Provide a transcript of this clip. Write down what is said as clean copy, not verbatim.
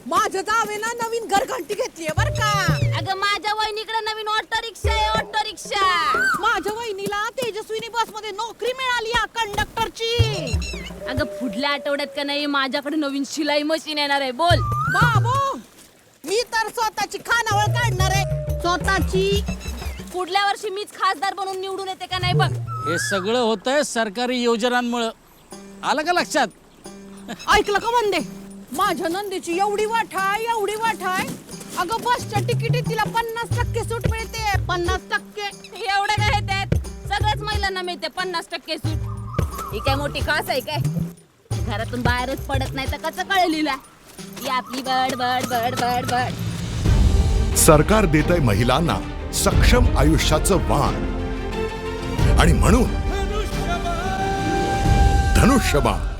माझ्या जावेना नवीन घरघंटी घेतलीये बर का. अगं माझ्या वहिनीकडे नवीन ऑटो रिक्षा आहे, ऑटो रिक्षा. माझ्या वहिनीला तेजस्विनी बस मध्ये नोकरी मिळाली कंडक्टरची. अगं पुढल्या आठवड्यात का नाही माझ्याकडे नवीन शिलाई मशीन येणार आहे. बोल बाबू, मी तर स्वतःची खानावळ काढणार आहे, स्वतःची. पुढल्या वर्षी मीच खासदार बनून निवडून येते का नाही बघ. हे सगळं होतंय सरकारी योजनांमुळं. आलं का लक्षात? ऐकलं का म्हणते, माझ्या नंदीची एवढी वाठाय, एवढी वाठाय. अगं बसच्या तिकिटीत तिला 50% सूट मिळते. 50%. एवढं काय त्यात? सगळ्याच महिलांना मिळते 50% सूट. ही काय मोठी खास आहे काय? घरातून बाहेरच पडत नाही तर कसं कळेल हिला? ही आपली बड बड बड बड बड. सरकार देतंय महिलांना सक्षम आयुष्याचं वाण आणि म्हणून धनुष्यबाण.